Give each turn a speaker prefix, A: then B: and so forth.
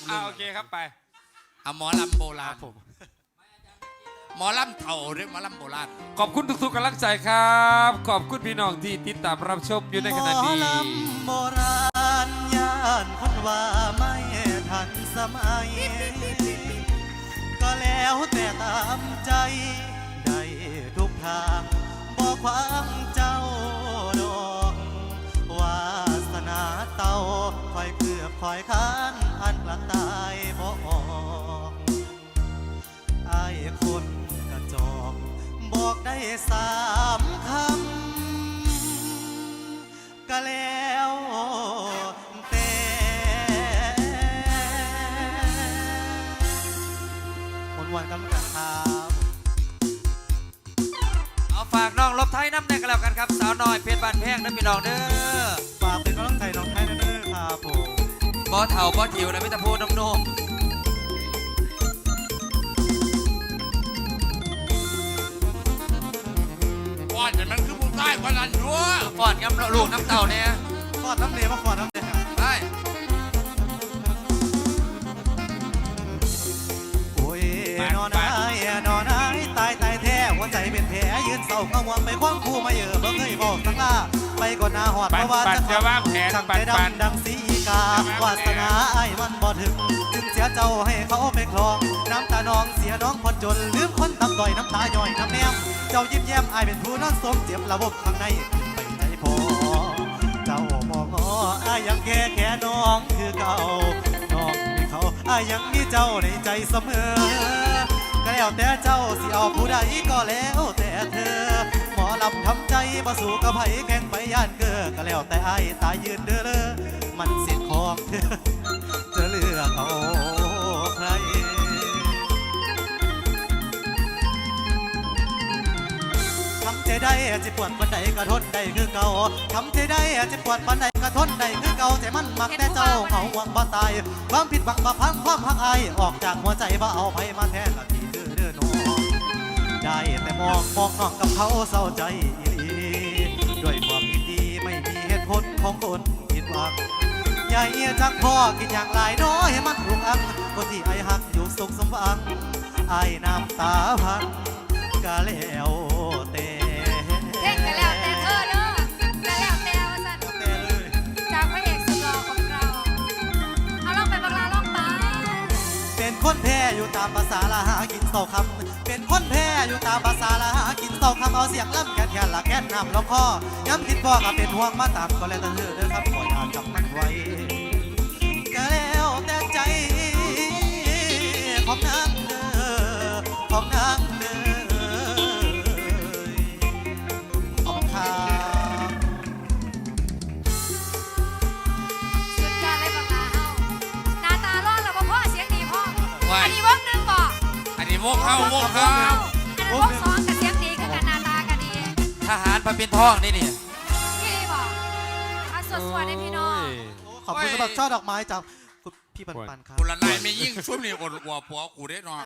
A: โอเคครับไป
B: เอาหมอลำโบราณหมอลำเถ่าหรือหมอลำโบราณ
A: ขอบคุณทุกๆกำลังใจครับขอบคุณพี่น้องที่ติดตามรับชมอยู่ในขณะนี้
C: หมอลำโบราณย่านคนว่าไม่ทันสมัยก็แล้วแต่ตามใจได้ทุกทางบอกความเจ้าดอกวาสนาเต่าคอยเกือบคอยค้านอันกลางตายบ่ออกไอ้คนกระจอกบอกได้3 คำก็แล้วแต่วันกันกันครับ
D: เอาฝากน้องลบไทยน้ำแน่กันแล้วกันครับสาวน้อยเพชรบานแพงนะพี่น้องเด้อ
C: ฝากเป็นกำลังใจน้องไทยนะเด้อครับผม
D: บ่เถ่าบ่ถิวนะมิตรพูน้ำนม
B: ก่อนแต่มันคือผู้ใต้กว่านั้นอยู่
D: ก่อนกับลูกน้ำเต่าเนี่ย
C: ฟอดน้ำเลี้ยมาฟอดน้ำเลี้ย
D: ได้
C: โอ้ยนอนนายตายแท้หัวใจเป็นแผลยืนเศร้ากังวลไปคว้างคู่มาเยอะบ่เคยบอกสักลาไปก่อนหน้าหอดเพราะว่าจะ
A: จะวางแผน
C: ช่างใจดำดังสีกาวาสนาไอ้มันบ่ถึงเสียเจ้าให้เขาไปคลองน้ำตาน้องเสียน้องคนจนลืมคนต่ำต่อยน้ำตาย่อยน้ำแนมเจ้ายิ้มแย้มไอ้เป็นผู้นอนสมเจ็บระบบข้างในไปใจพอเจ้ามองไอ้ยังแค่น้องคือเก่าน้องมีเขาไอ้ยังมีเจ้าในใจเสมอก็แล้วแต่เจ้าสิเอาผู้ใดก็แล้วแต่เธอหมอลำทำใจมาสู่กับไผแข่งไปย่านเกอก็แล้วแต่ไอ้ตายยืนเด้อเลยมันสิทธิ์ของเธอจะเลือกเอาใครทำใจได้จะปวดปันใดก็ทนได้คือเก่าทำใจได้จะปวดปันใดก็ทนได้คือเก่าแต่มันมักแต่เจ้าเขาหวังบ่ตายความผิดหวังบ่พังความหักอายออกจากหัวใจบ่เอาไผมาแทนละที่เด้อน้องได้แต่มองน้องกับเขาเศร้าใจอีหลีด้วยความยินดีไม่มีเหตุผลของคนผิดหวังใหญ่จักพ่อกินอย่างไรน้อยให้มันรุกอังคนที่ไอ้หักอยู่สุขสมหวังไอ้น้ำตาพังก็แล้วแต่
E: เล่นกันแล้วแต่เธอเด้อกันแล้วแต่ว่าสันจากพระเอกสุดหล่อของเราเอาลองไปบังลาลองไป
C: เป็นคนแพ้อยู่ตามภาษาละหากินเศร้าคำเป็นคนแพ้อยู่ตามภาษาละหากินเศร้าคำเอาเสียงล่ำแค่ละแค่น้ำลงคอย้ำคิดพ่อก็เป็นห่วงมาตามก็แล้วแต่เธอเด้อครับคอยอ่านจำมันไว้ก็แล้วแต่ใจของนางเด้อของนางเด้อขอบคุณครับ
E: สุดยอดเลยบังลาเฮาหน้าตาร้อนแล้วบ่พ่อเสียงดีพ่ออันนี้วงหนึ่งบ่
B: อันนี้วงเข้าวงเข้า
E: อันนั้นวง2กับเสียงดีคือกันหน้าตาก็ดี
D: ทหารพระปิ่นทองนี่นี่
E: พี่บ่เอาสวดๆให้พี่น้อง
C: ขอบคุณสำหรับช่อดอกไม้จากพี่ปันครับ
B: คุณละนายไม่ยิ่งช่วงนี้อดหัวผัวกูได้นอน